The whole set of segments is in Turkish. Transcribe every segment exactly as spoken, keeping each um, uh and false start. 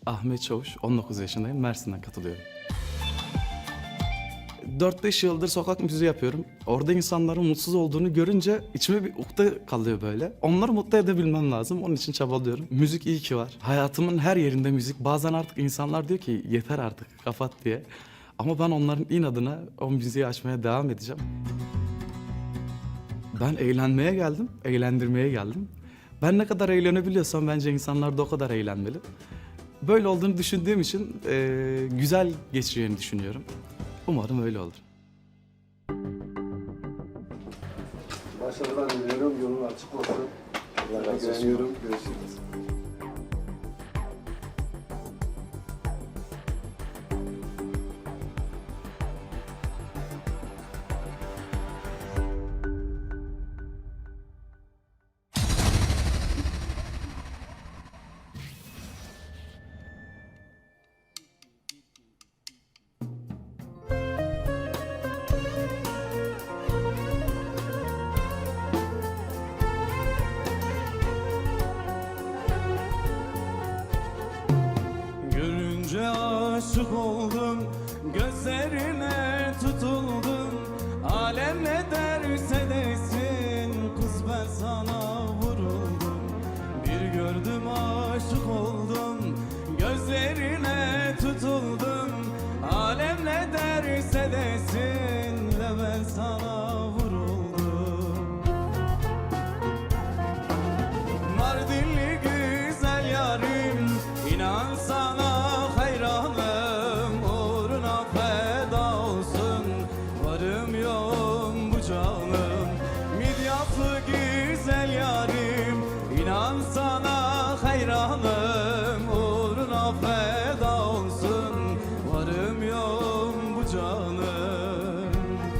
Ahmet Çavuş, on dokuz yaşındayım. Mersin'den katılıyorum. dört beş yıldır sokak müziği yapıyorum. Orada insanların mutsuz olduğunu görünce içime bir ukde kalıyor böyle. Onları mutlu edebilmem lazım. Onun için çabalıyorum. Müzik iyi ki var. Hayatımın her yerinde müzik. Bazen artık insanlar diyor ki yeter artık kapat diye. Ama ben onların inadına o müziği açmaya devam edeceğim. Ben eğlenmeye geldim, eğlendirmeye geldim. Ben ne kadar eğlenebiliyorsam bence insanlar da o kadar eğlenmeli. Böyle olduğunu düşündüğüm için e, güzel geçeceğini düşünüyorum. Umarım öyle olur. Başarılar diliyorum, yolun açık olsun. Allah razı olsun. Görüşürüz. Görünce aşık oldum, gözlerine tutuldum. Alem ne derse desin, kız ben sana vuruldum. Bir gördüm aşık oldum, gözlerine tutuldum. Alem ne derse desin, de ben sana vuruldum. Mardinli güzel yarim, İnan sana hayranım, uğruna feda olsun, varım yoğum bu canım. Midyatlı güzel yarim, inan sana hayranım, uğruna feda olsun, varım yoğum bu canım.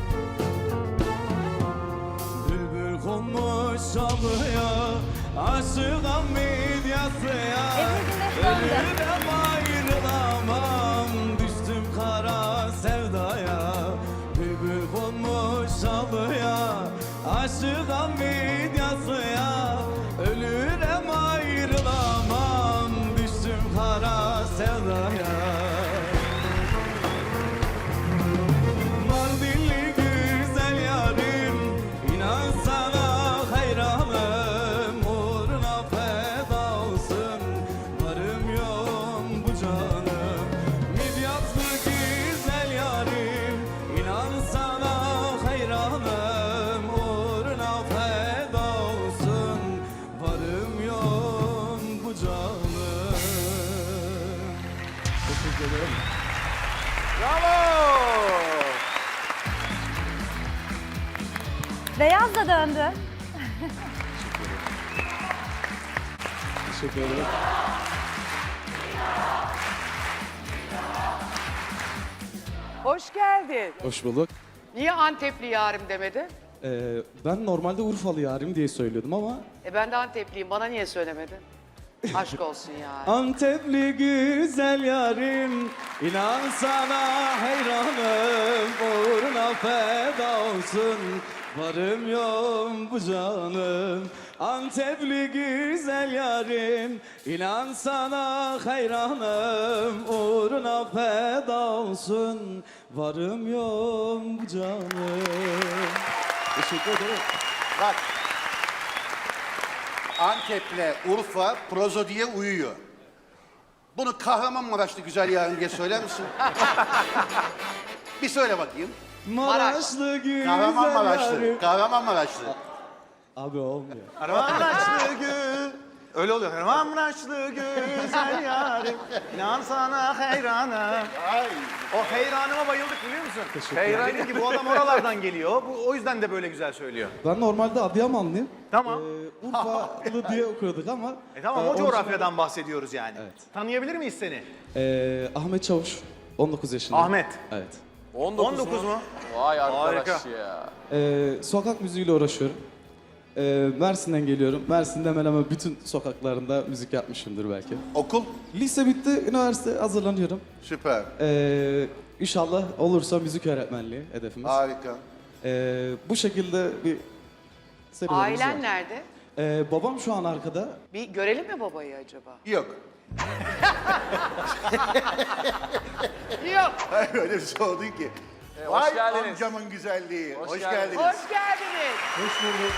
Bülbül konmuş çalıya, aşığım midyasıya. Ölürüm ayrılamam, düştüm kara sevdaya. Bülbül konmuş çalıya, aşığım midyasıya. Ölürüm ayrılamam, düştüm kara sevdaya. Mardinli güzel yarim, inan sana hayranım, uğruna feda olsun, varım yoğum bu canım. Midyatlı güzel yarim, inan sana hayranım, uğruna feda olsun, varım yoğum bu canım. Teşekkür ederim. Beyaz da döndü. Teşekkür ederim. Hoş geldin. Hoş bulduk. Niye Antepli yarim demedi? Ee, ben normalde Urfalı yarim diye söylüyordum ama E ben de Antepliyim. Bana niye söylemedin? Aşk olsun ya. Antepli güzel yarim, inan sana hayranım, uğruna feda olsun, varım yoğum bu canım. Antepli güzel yarim, inan sana hayranım, uğruna feda olsun, varım yoğum bu canım. Teşekkür ederim. Bak. Antep'le Urfa prozodiye uyuyor. Bunu Kahramanmaraşlı güzel yarın diye söyler misin? Bir söyle bakayım. Maraşlı güzel Kahramanmaraşlı. yarim. Kahramanmaraşlı. Abi olmuyor. Maraşlı gül. Öyle oluyor. Maraşlı güzel yarim. İnan sana hayranım. O heyranıma bayıldık biliyor musun? Heyran dedim ki bu adam oralardan geliyor. Bu, o yüzden de böyle güzel söylüyor. ben normalde Adıyamanlıyım. Tamam. Ee, Urfalı diye okuyorduk ama... E tamam e, o onun coğrafyadan bahsediyoruz yani. Evet. Tanıyabilir miyiz seni? için- Ee, Ahmet Çavuş, on dokuz yaşındayım. Ahmet. Evet. on dokuz mu? Vay arkadaş Harika. ya. Ee, sokak müziğiyle uğraşıyorum. Ee, Mersin'den geliyorum. Mersin'de hemen hemen bütün sokaklarında müzik yapmışımdır belki. Okul? Lise bitti, üniversite hazırlanıyorum. Süper. Ee, inşallah olursa müzik öğretmenliği hedefimiz. Harika. Ee, bu şekilde bir serüvenimiz var. Ailen nerede? Ee, babam şu an arkada. Bir görelim mi babayı acaba? Yok. Yok. Hayır öyle bir şey oldu ki. hoş Vay geldiniz. amcamın güzelliği. Hoş Hoş, geldiniz. geldiniz. Hoş geldiniz. Hoş bulduk.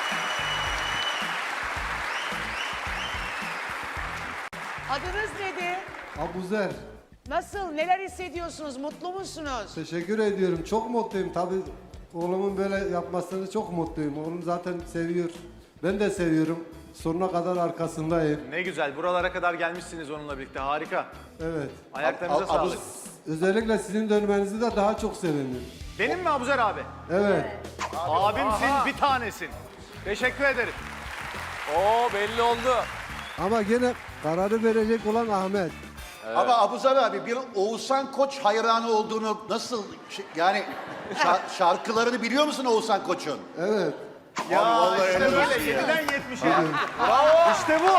Adınız nedir? Abuzer. Nasıl? Neler hissediyorsunuz? Mutlu musunuz? Teşekkür ediyorum. Çok mutluyum. Tabii oğlumun böyle yapmasını çok mutluyum. Oğlum zaten seviyor. Ben de seviyorum. Sonuna kadar arkasındayım. Ne güzel. Buralara kadar gelmişsiniz onunla birlikte. Harika. Evet. Ayaklarınıza Ab- ab- sağlık. Özellikle sizin dönmenizi de daha çok sevindim. Benim mi Abuzer abi? Evet. Abimsin, bir tanesin. Teşekkür ederim. Oo belli oldu. Ama gene kararı verecek olan Ahmet. Ama Abuzar abi bir Oğuzhan Koç hayranı olduğunu nasıl şey- yani şa- şarkılarını biliyor musun Oğuzhan Koç'un? Evet. Ya vallahi işte helal böyle olsun ya. yediden yetmişe. Bravo. İşte bu.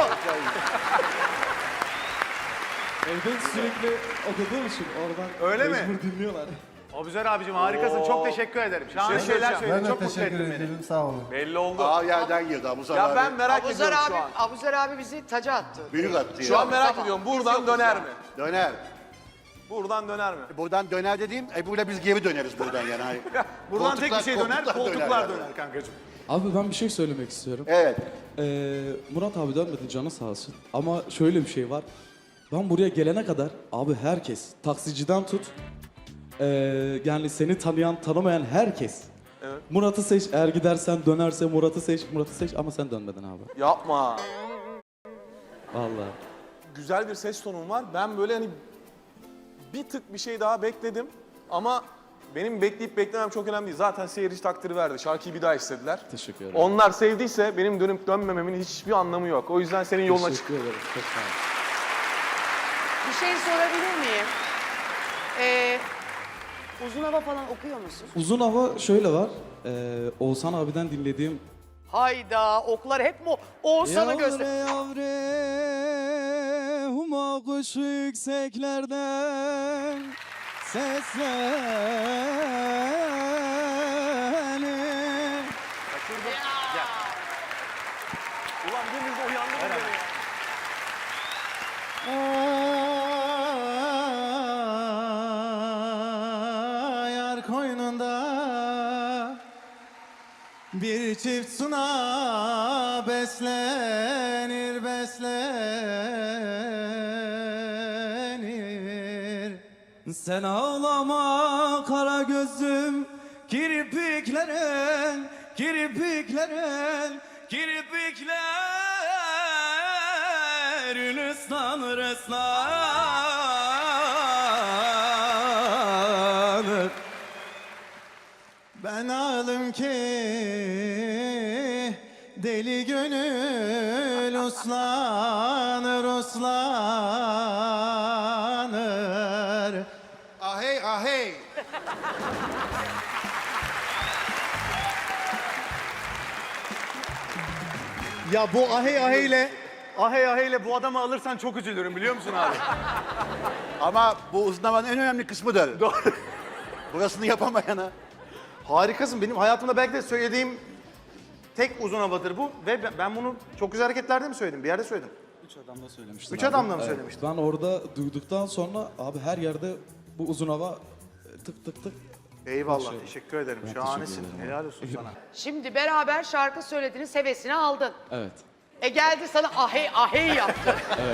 Evde sürekli okuduğum için oradan Öyle mi? mecbur dinliyorlar. Abuzer abicim harikasın. Çok teşekkür ederim. Şahane şeyler Ben söyledin. de Çok mutlu teşekkür ettin beni. ederim. Sağ olun. Belli oldu. Aa yerden girdi Abuzar Ya abi. ben merak Abuzer ediyorum abi, şu an. Abuzer abi bizi taca attı. Büyük attı Şu ya. an merak Tamam. ediyorum. Biz Buradan yokuz döner ya. mi? Döner. Buradan döner mi? Buradan döner dediğim Ebru'yla biz geri döneriz buradan yani. Hayır. Buradan tek bir şey döner, koltuklar yani. döner kankacığım. Abi ben bir şey söylemek istiyorum. Evet. Ee, Murat abi dönmedi canı sağ olsun. Ama şöyle bir şey var. Ben buraya gelene kadar abi herkes taksiciden tut. ee, yani seni tanıyan tanımayan herkes. Evet. Murat'ı seç, eğer gidersen dönerse Murat'ı seç, Murat'ı seç ama sen dönmedin abi. Yapma. Vallahi. Güzel bir ses tonun var. Ben böyle hani bir tık bir şey daha bekledim. Ama benim bekleyip beklemem çok önemli değil. Zaten seyirci takdiri verdi. Şarkıyı bir daha istediler. Teşekkür ederim. Onlar sevdiyse benim dönüp dönmememin hiçbir anlamı yok. O yüzden senin yoluna çık. Teşekkür ederim. Çok sağ olun. Bir şey sorabilir miyim? Ee, uzun hava falan okuyor musun? Uzun hava şöyle var. Ee, Oğuzhan abiden dinlediğim Hayda, oklar hep mi Oğuzhan'ı göster. yavre huma kuş yükseklerden seslenir. Ulan deniz uyandırın beni ya. Yar koynunda bir çift suna beslenir beslenir. Sen ağlama kara gözüm kirpiklerin kirpiklerin kirpiklerin ıslanır ıslanır. Ben ağlım ki deli gönül uslanır uslanır. Ahey ahey. Ya bu ahey aheyle, ahey aheyle bu adamı alırsan çok üzülürüm biliyor musun abi? Ama bu uzun havanın en önemli kısmıdır. Doğru. Burasını yapamayana. Harikasın. Benim hayatımda belki de söylediğim tek uzun havadır bu. Ve ben- ben bunu çok güzel hareketlerde mi söyledim? Bir yerde söyledim. Üç adamla söylemiştin Üç abi. adamla mı Evet. söylemiştin? Ben orada duyduktan sonra abi her yerde bu uzun hava e, tık tık tık. Eyvallah. Şey- Teşekkür ederim. Ben Şahanesin. teşekkür ederim. Helal olsun sana. Şimdi beraber şarkı söylediniz, hevesini aldın. Evet. E geldi sana ahey ahey yaptı.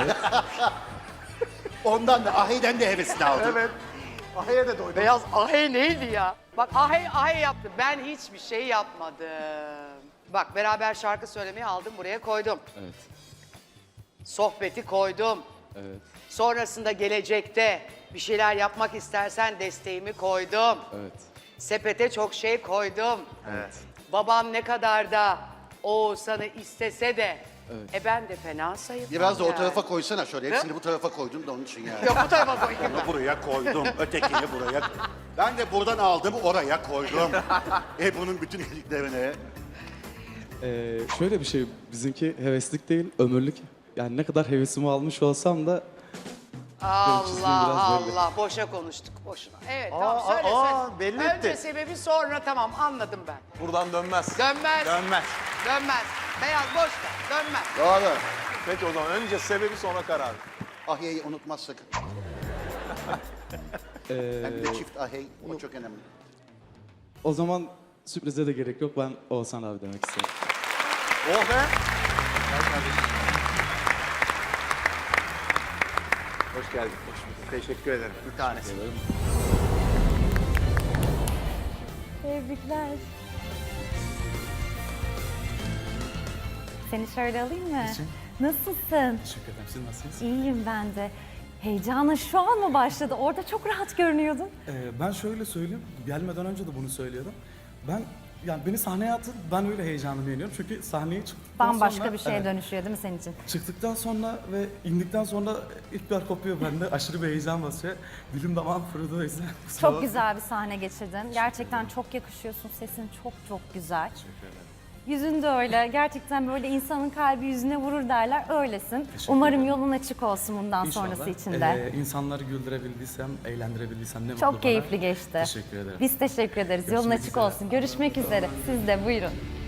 Ondan da aheyden de hevesini aldım. Evet. Ahey'e de doydum. Beyaz ahey neydi ya? Bak ahey ahey yaptı. Ben hiçbir şey yapmadım. Bak beraber şarkı söylemeyi aldım buraya koydum. Evet. Sohbeti koydum. Evet. Sonrasında gelecekte bir şeyler yapmak istersen desteğimi koydum. Evet. Sepete çok şey koydum. Evet. Babam ne kadar da Oğuzhan'ı istese de Evet. e ben de fena sayılmam. Biraz da o yani. tarafa koysana şöyle. Hepsini bu tarafa koydum da onun için yani. Yok bu tarafa koyayım ben. Bunu buraya koydum, ötekini buraya. Ben de buradan aldım, oraya koydum. Ebru'nun bütün iyiliklerini. Ee, şöyle bir şey, bizimki heveslik değil, ömürlük. Yani ne kadar hevesimi almış olsam da çizgim Allah biraz belli. Allah boşa konuştuk boşuna. Evet Aa, tamam söyle aa, söyle. belli Önce etti. sebebi sonra tamam anladım ben. Buradan dönmez. Dönmez. Dönmez. Dönmez. Beyaz boş ver. Dönmez. Doğru. Peki o zaman önce sebebi sonra karar. Ahey'i unutmaz sakın. Hem bir de çift ahey, o çok önemli. O zaman sürprize de gerek yok. Ben Oğuzhan abi demek istiyorum. Oh be. Hoş geldin. Hoş bulduk. Teşekkür ederim. Bir tanesi. Tebrikler. Seni şöyle alayım mı? Nasılsın? Teşekkür ederim. Siz nasılsınız? İyiyim ben de. Heyecanın şu an mı başladı? Orada çok rahat görünüyordun. Ee, ben şöyle söyleyeyim, gelmeden önce de bunu söylüyordum. Ben, yani beni sahneye atın, ben öyle heyecanımı yeniyorum. Çünkü sahneye çıktıktan Bambaşka sonra... bir şeye evet, dönüşüyor değil mi senin için? çıktıktan sonra ve indikten sonra ipler kopuyor bende. Aşırı bir heyecan basıyor. Dilim damağım kurudu o yüzden. kusura Çok bakmayın. güzel bir sahne geçirdin. Gerçekten çok yakışıyorsun. Sesin çok çok güzel. Yüzün de öyle. Gerçekten böyle insanın kalbi yüzüne vurur derler. Öylesin. Umarım yolun açık olsun bundan İnşallah. sonrası için de. Ee, insanları güldürebildiysem, eğlendirebildiysem ne mutlu Çok bana. keyifli geçti. Teşekkür ederim. Biz teşekkür ederiz. Yolun Görüşmek açık üzere. olsun. Görüşmek üzere. Siz de buyurun.